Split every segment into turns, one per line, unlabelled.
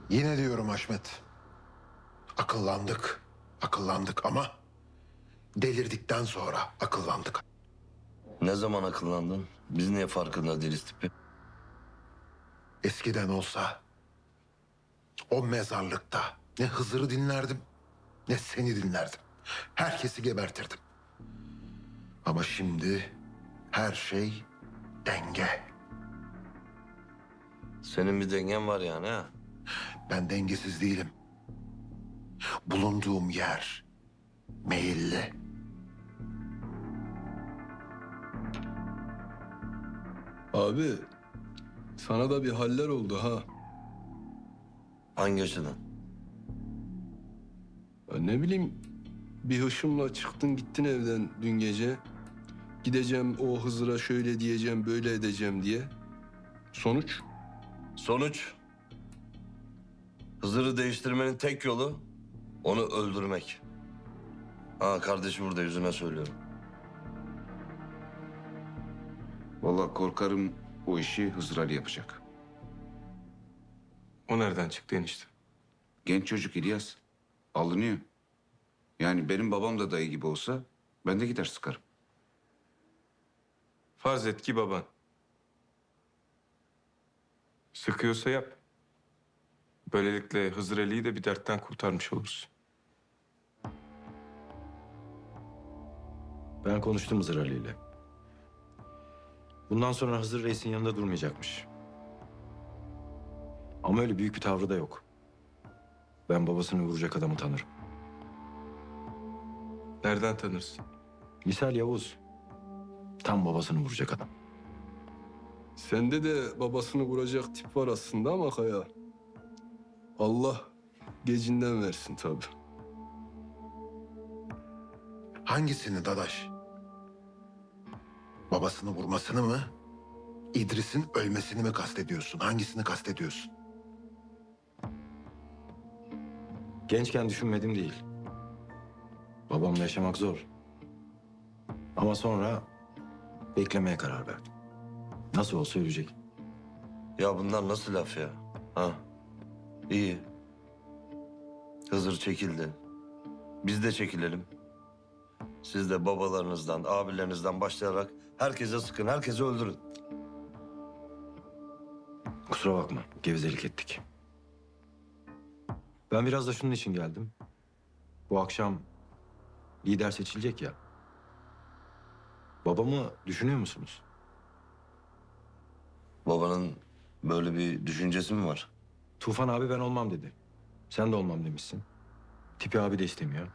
Yine diyorum Haşmet. Akıllandık. Akıllandık ama delirdikten sonra akıllandık.
Ne zaman akıllandın? Biz niye farkında değiliz tipi?
Eskiden olsa o mezarlıkta ne Hızır'ı dinlerdim ne seni dinlerdim. Herkesi gebertirdim. Ama şimdi her şey denge.
Senin bir dengen var yani ha?
Ben dengesiz değilim. Bulunduğum yer meyilli.
Abi sana da bir haller oldu ha.
Hangi açıdan?
Ya ne bileyim bir hışımla çıktın gittin evden dün gece. Gideceğim o Hızır'a şöyle diyeceğim böyle edeceğim diye. Sonuç?
Sonuç? Hızır'ı değiştirmenin tek yolu onu öldürmek. Ha kardeşim burada yüzüne söylüyorum.
Vallahi korkarım o işi Hızır Ali yapacak.
O nereden çıktı enişte?
Genç çocuk İlyas. Alınıyor. Yani benim babam da dayı gibi olsa ben de gider sıkarım.
Farz et ki baban. Sıkıyorsa yap. Böylelikle Hızır Ali'yi de bir dertten kurtarmış oluruz.
Ben konuştum Hızır Ali ile. Bundan sonra Hızır Reis'in yanında durmayacakmış. Ama öyle büyük bir tavrı da yok. Ben babasını vuracak adamı tanırım.
Nereden tanırsın?
Misal Yavuz. Tam babasını vuracak adam.
Sende de babasını vuracak tip var aslında ama Kaya. Allah gecinden versin tabii.
Hangisini Dadaş? Babasını vurmasını mı? İdris'in ölmesini mi kastediyorsun? Hangisini kastediyorsun?
Gençken düşünmedim değil. Babamla yaşamak zor. Ama sonra beklemeye karar verdim. Nasıl olsa ölecek.
Ya bunlar nasıl laf ya? Ha? İyi. Hızır çekildi. Biz de çekilelim. Siz de babalarınızdan, abilerinizden başlayarak herkese sıkın, herkesi öldürün.
Kusura bakma, gevezelik ettik. Ben biraz da şunun için geldim. Bu akşam lider seçilecek ya. Babamı düşünüyor musunuz?
Babanın böyle bir düşüncesi mi var?
Tufan abi ben olmam dedi. Sen de olmam demişsin. Tipi abi de istemiyor.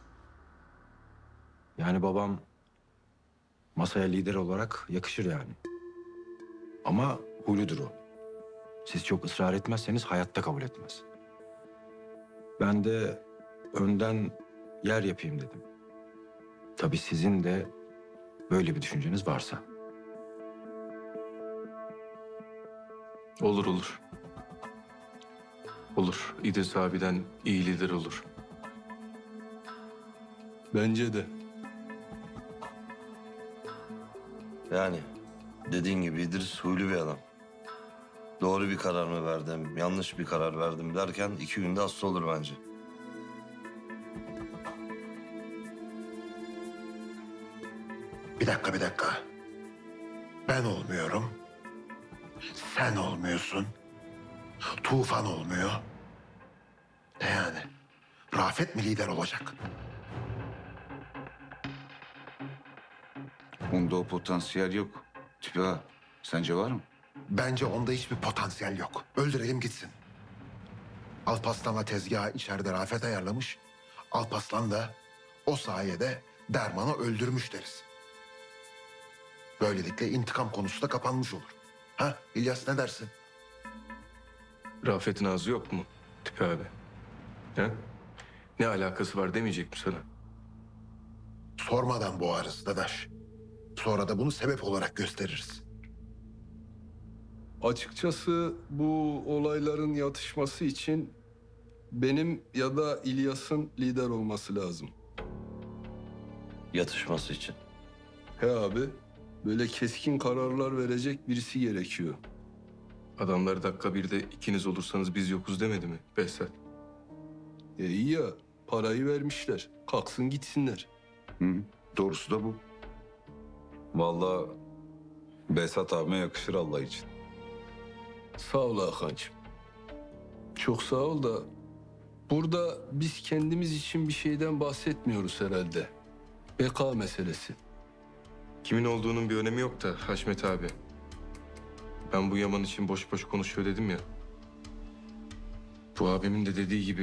Yani babam masaya lider olarak yakışır yani. Ama huyludur o. Siz çok ısrar etmezseniz hayatta kabul etmez. Ben de önden yer yapayım dedim. Tabii sizin de böyle bir düşünceniz varsa.
Olur olur. Olur. İdris abiden iyi lider olur.
Bence de.
Yani dediğin gibi İdris huylu bir adam. Doğru bir karar mı verdim, yanlış bir karar verdim derken 2 günde hasta olur bence.
Bir dakika, bir dakika. Ben olmuyorum. Sen olmuyorsun. Tufan olmuyor. Ne yani? Rafet mi lider olacak?
Onda o potansiyel yok. Tipi ha. Sence var mı?
Bence onda hiçbir potansiyel yok. Öldürelim gitsin. Alparslan'la tezgahı içeride Rafet ayarlamış. Alparslan da o sayede Derman'ı öldürmüş deriz. Böylelikle intikam konusu da kapanmış olur. Ha İlyas ne dersin?
Rafet'in ağzı yok mu Tipi abi? He? Ne alakası var demeyecek mi sana?
Sormadan boğarız Dadaş. Sonra da bunu sebep olarak gösteririz.
Açıkçası bu olayların yatışması için benim ya da İlyas'ın lider olması lazım.
Yatışması için.
He abi, böyle keskin kararlar verecek birisi gerekiyor.
Adamlar dakika birde ikiniz olursanız biz yokuz demedi mi Behzat?
İyi ya, parayı vermişler. Kalksın gitsinler.
Hı, doğrusu da bu.
Vallahi Behzat abime yakışır Allah için.
Sağ ol Hakan'cığım. Çok sağ ol da burada biz kendimiz için bir şeyden bahsetmiyoruz herhalde. Beka meselesi.
Kimin olduğunun bir önemi yok da Haşmet abi. Ben bu Yaman için boş boş konuşuyor dedim ya. Bu abimin de dediği gibi...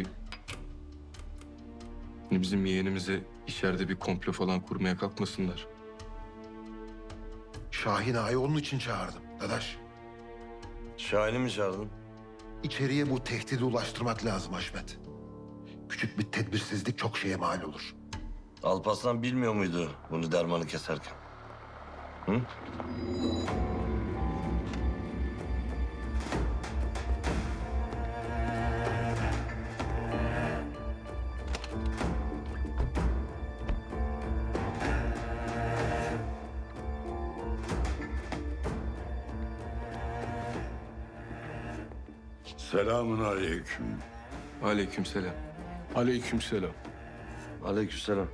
Hani bizim yeğenimize içeride bir komplo falan kurmaya kalkmasınlar.
Şahin Ağa'yı onun için çağırdım dadaş.
Şahin'i mi çağırdın?
İçeriye bu tehdidi ulaştırmak lazım Haşmet. Küçük bir tedbirsizlik çok şeye mal olur.
Alparslan bilmiyor muydu bunu dermanı keserken? Hı?
Selamun aleyküm.
Aleykümselam.
Aleykümselam.
Aleykümselam.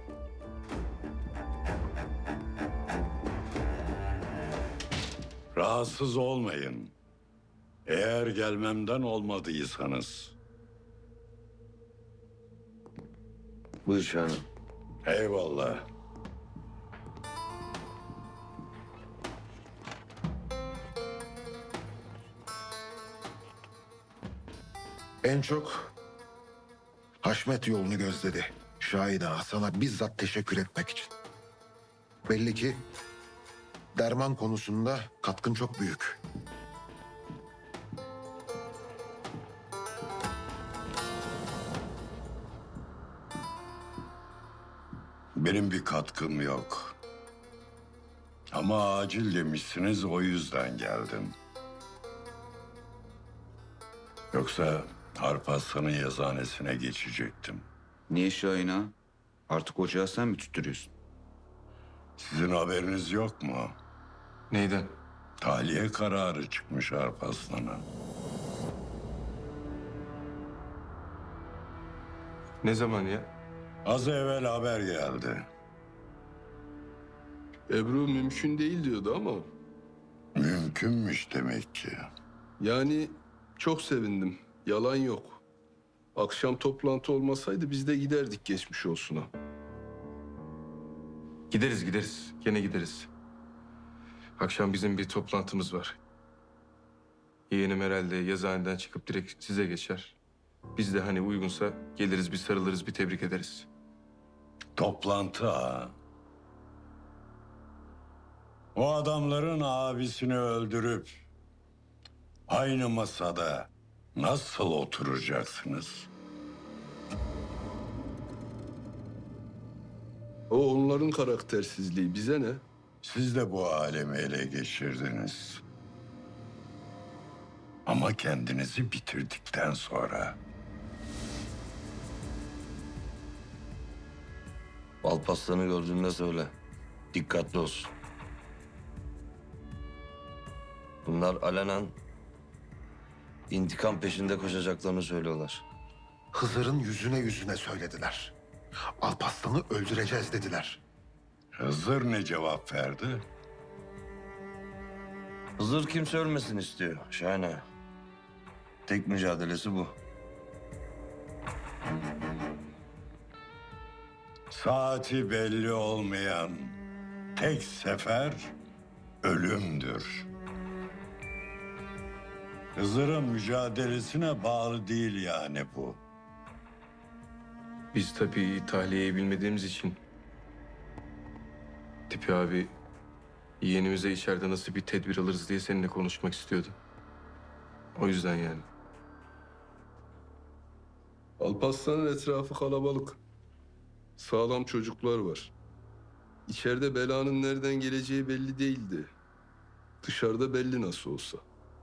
Rahatsız olmayın. Eğer gelmemden olmadıysanız.
Buyur Şahin'im.
Eyvallah.
En çok Haşmet yolunu gözledi. Şahin Ağa sana bizzat teşekkür etmek için. Belli ki derman konusunda katkın çok büyük.
Benim bir katkım yok. Ama acil demişsiniz, o yüzden geldim. Yoksa Alparslan'ın yazıhanesine geçecektim.
Niye Şahin ağa? Artık ocağı sen mi tutturuyorsun?
Sizin haberiniz yok mu?
Neyden?
Tahliye kararı çıkmış Alparslan'a.
Ne zaman ya?
Az evvel haber geldi.
Ebru mümkün değil diyordu ama
Mümkünmüş demek ki.
yani çok sevindim. Yalan yok. Akşam toplantı olmasaydı biz de giderdik geçmiş olsuna.
Gideriz gideriz. Gene gideriz. Akşam bizim bir toplantımız var. Yeğenim herhalde yazıhaneden çıkıp direkt size geçer. Biz de hani uygunsa geliriz bir sarılırız bir tebrik ederiz.
Toplantı ha. O adamların abisini öldürüp aynı masada nasıl oturacaksınız?
O onların karaktersizliği, bize ne?
Siz de bu alemi ele geçirdiniz. Ama kendinizi bitirdikten sonra.
Alparslan'ı gördüğünde söyle. Dikkatli olsun. Bunlar alenen intikam peşinde koşacaklarını söylüyorlar.
Hızır'ın yüzüne söylediler. Alparslan'ı öldüreceğiz dediler.
Hızır ne cevap verdi?
Hızır kimse ölmesin istiyor Şahin Ağa. Tek mücadelesi bu.
Saati belli olmayan tek sefer ölümdür. Hızır'ın mücadelesine bağlı değil yani bu.
Biz tabii tahliyeyi bilmediğimiz için... Tipi abi yeğenimize içeride nasıl bir tedbir alırız diye seninle konuşmak istiyordu. O yüzden yani.
Alparslan'ın etrafı kalabalık. Sağlam çocuklar var. İçeride belanın nereden geleceği belli değildi. Dışarıda belli nasıl olsa.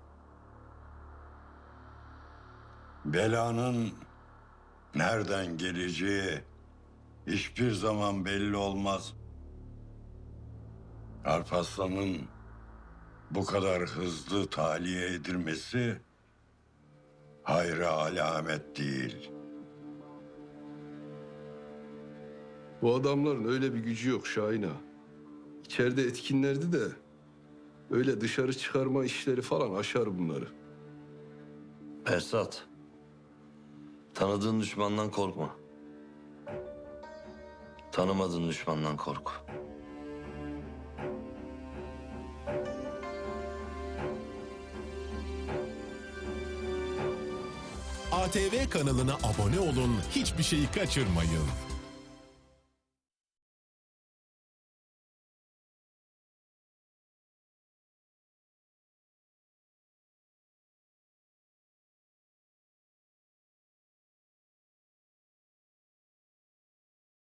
Belanın nereden geleceği hiçbir zaman belli olmaz. Alparslan'ın bu kadar hızlı tahliye edilmesi hayra alamet değil.
Bu adamların öyle bir gücü yok Şahin ağa. İçeride etkinlerdi de öyle dışarı çıkarma işleri falan aşar bunları.
Esat, tanıdığın düşmandan korkma. Tanımadığın düşmandan kork.
ATV kanalına abone olun, hiçbir şeyi kaçırmayın.